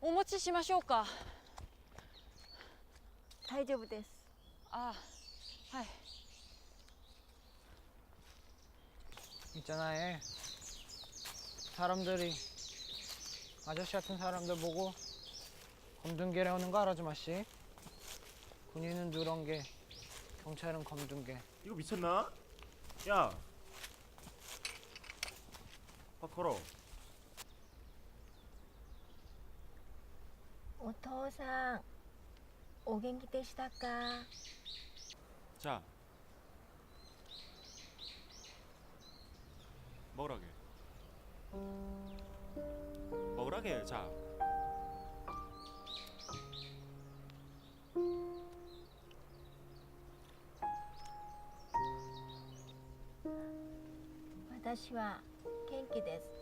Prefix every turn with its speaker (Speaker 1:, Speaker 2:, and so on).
Speaker 1: お持ちしましょうか。
Speaker 2: 大丈夫です。
Speaker 1: あ、はい.
Speaker 3: 있잖아, 사람들이 아저씨 같은 사람들 보고 검둥개래 오는 거 알아, 주마씨? 군인은 누런개, 경찰은 검둥개.
Speaker 4: 이거 미쳤나? 야, 밥 걸어.
Speaker 2: お父さん、お元気でしたか？
Speaker 4: 자, 먹으라게. 먹으라게. 자.
Speaker 2: 私は元気です。